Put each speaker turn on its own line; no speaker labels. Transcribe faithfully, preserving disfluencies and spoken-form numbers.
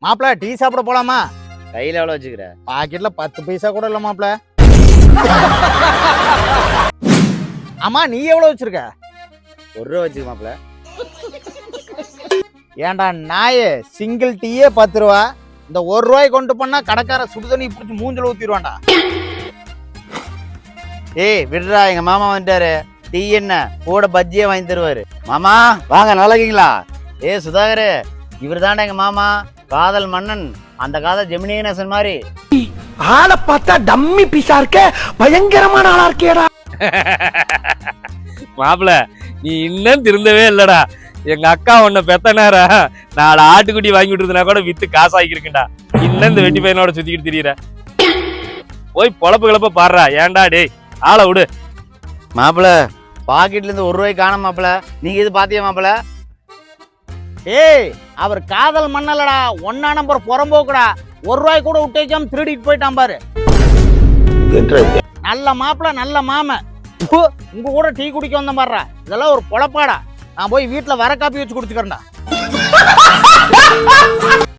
மாப்பிள டீ சாப்பிட போலாமா?
கையில எவ்வளவு வச்சுக்கிற?
பாக்கெட்ல பத்து பைசா கூட இல்ல மாப்பிள. ஆமா நீ எவ்வளவு வச்சிருக்க?
ஒரு ரூபா வச்சுக்க மாப்பிள.
ஏன்டா நாயே, சிங்கிள் டீயே பத்து ரூபா. இந்த ஒரு ரூபாய் கொண்டு போனா கடைக்கார சுடுதண்ணி பிடிச்சி மூஞ்சில ஊத்திடுவான்டா.
ஏய் விடுறா, எங்க மாமா வந்துட்டாரு. டீ என்ன கூட பஜ்ஜியே வாங்கி தருவாரு. மாமா வாங்க, நல்லா இருக்கீங்களா? ஏ சுதாகரு, இவர் தாண்டா எங்க மாமா, காதல் மன்னன். அந்த காதல் ஜெமினி கணேசன் மாதிரி.
ஆளை பார்த்தா டம்மி பீஸா இருக்க, பயங்கரமான ஆளா இருக்கேடா.
மாப்பிள நீ இன்னும் திருந்தவே இல்லடா. எங்க அக்கா உன்னை பெத்த நேரம் நாலு ஆட்டுக்குட்டி வாங்கி விட்டுருந்தா கூட வித்து காசு ஆகிருக்குண்டா. இன்னும் இந்த வெட்டி பையனோட சுத்திக்கிட்டு திரியிற. போய் பொழப்பு கிளப்ப பாடுறா. ஏன்டா டேய், ஆளை விடு.
மாப்பிள பாக்கெட்ல இருந்து ஒரு ரூபாய் காணும் மாப்பிள. நீங்க இது பாத்தியா மாப்பிள?
ஏய் அவர் காதல் மண்ணலடா, ஒன்னா நம்பர் புறம்போக்குடா. ஒரு ரூபாய் கூட விட்டு வைக்காம திருடிட்டு போயிட்டான் பாரு. நல்ல மாப்பிள, நல்ல மாம. உங்க கூட டீ குடிக்க வந்த பாடுறா. இதெல்லாம் ஒரு பொழப்பாடா. நான் போய் வீட்டுல வர காப்பி வச்சு குடிச்சுக்கிறேன்டா.